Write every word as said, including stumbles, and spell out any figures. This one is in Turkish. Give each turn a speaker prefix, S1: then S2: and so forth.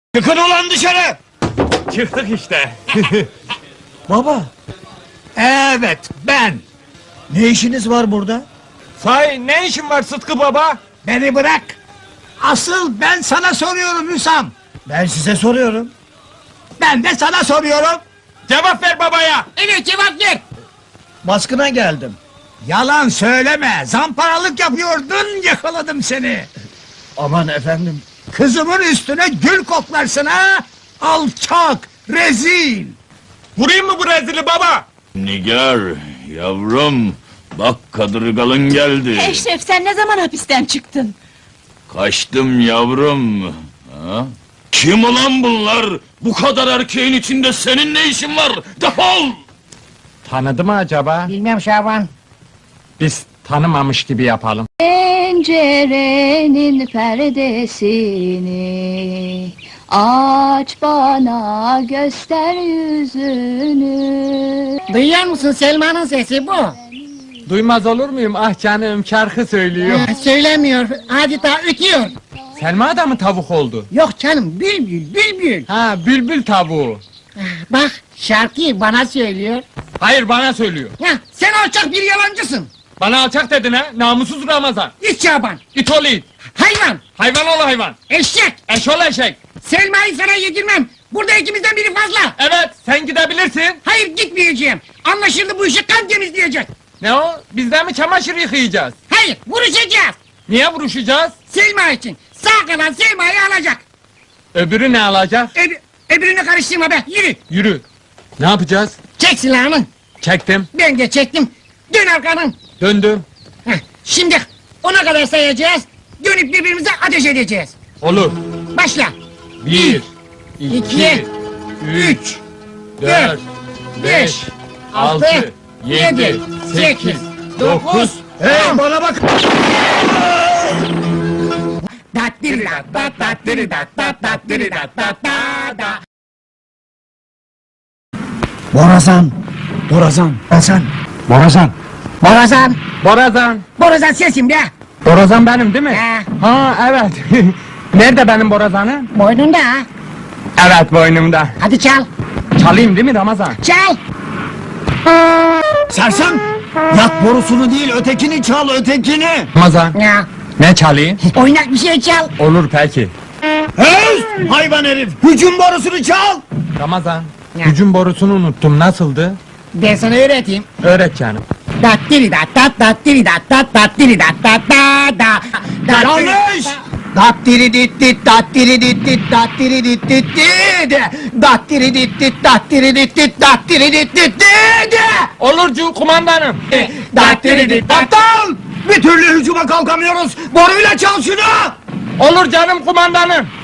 S1: Çıkın ulan dışarı!
S2: Çıktık işte.
S1: Baba! Evet, ben! Ne işiniz var burada?
S2: Sahi ne işin var Sıtkı baba?
S1: Beni bırak! Asıl ben sana soruyorum Hüsam! Ben size soruyorum. Ben de sana soruyorum!
S2: Cevap ver babaya!
S1: Evet, cevap ver! Baskına geldim. Yalan söyleme! Zamparalık yapıyordun, yakaladım seni! Aman efendim! Kızımın üstüne gül koklarsın ha! Alçak! Rezil!
S2: Vurayım mı bu rezili baba?
S3: Nigar, yavrum, bak kadırgalın geldi.
S4: Eşref, sen ne zaman hapisten çıktın?
S3: Kaçtım yavrum. Ha? Kim ulan bunlar? Bu kadar erkeğin içinde senin ne işin var? Defol!
S2: Tanıdı mı acaba?
S5: Bilmem Şaban.
S2: Biz tanımamış gibi yapalım.
S4: Pencerenin perdesini aç bana, göster yüzünü.
S5: Duyuyor musun, Selma'nın sesi bu?
S2: Duymaz olur muyum? Ah canım, şarkı söylüyor.
S5: Ha, söylemiyor, adeta ötüyor.
S2: Selma da mı tavuk oldu?
S5: Yok canım, bülbül, bülbül.
S2: Ha, bülbül tavuğu.
S5: Bak, şarkıyı bana söylüyor.
S2: Hayır, bana söylüyor.
S5: Ya, sen alçak bir yalancısın.
S2: Bana alçak dedin ha, namussuz Ramazan.
S5: İç Şaban,
S2: İt ol it.
S5: hayvan,
S2: Hayvan ol hayvan.
S5: eşek.
S2: Eş ol eşek.
S5: Selma'yı sana yedirmem. Burada ikimizden biri fazla.
S2: Evet, sen gidebilirsin.
S5: Hayır, gitmeyeceğim. Anlaşıldı, bu işi kan temizleyecek.
S2: Ne o? Biz de mi çamaşır yıkayacağız?
S5: Hayır, vuruşacağız.
S2: Niye vuruşacağız?
S5: Selma için. Sağ kalan Selma'yı alacak.
S2: Öbürü ne alacak?
S5: Öb öbürünü karıştırma be, yürü.
S2: Yürü. Ne yapacağız?
S5: Çek silahını.
S2: Çektim.
S5: Ben de çektim. Dön arkanın.
S2: Döndüm.
S5: Heh, şimdi ona kadar sayacağız. Dönüp birbirimize ateş edeceğiz.
S2: Olur.
S5: Başla.
S2: Bir,
S5: iki,
S2: iki, üç,
S5: Üç,
S2: dört, beş, altı, yedi, sekiz, dokuz.
S1: Hey, bana bak!
S5: Dattiri dat dat dattiri dat dat dattiri dat dat da da.
S1: Borazan! Borazan! Borazan! Borazan!
S5: Borazan.
S2: Borazan.
S5: Borazan sensin be.
S2: Borazan benim değil mi?
S5: He.
S2: Ha evet. Nerede benim borazanım?
S5: Boynunda ha.
S2: Evet boynumda.
S5: Hadi çal.
S2: Çalayım değil mi Ramazan?
S5: Çal.
S1: Sersem! Yak borusunu değil, ötekini çal, ötekini!
S2: Ramazan.
S5: Ya.
S2: Ne çalayım?
S5: Oynak bir şey çal.
S2: Olur peki.
S1: Hey! Hayvan herif! Hücum borusunu çal!
S2: Ramazan.
S5: Ne?
S2: Hücum borusunu unuttum. Nasıldı?
S5: Ben sana öğreteyim.
S2: Öğret canım.
S5: Dattiri dat dat dattiri dat dat dattiri dat dat da da. Dattiri
S1: Yanlış!
S5: dat-
S1: Dattiri dit dit dattiri dit dit dattiri dit dit dit dattiri dit dit dattiri dit dit dattiri dit dit dit
S2: Olur cu kumandanım.
S1: dattiri dit aptal! Bir türlü hücuma kalkamıyoruz! Boruyla çal şunu!
S2: Olur canım kumandanım.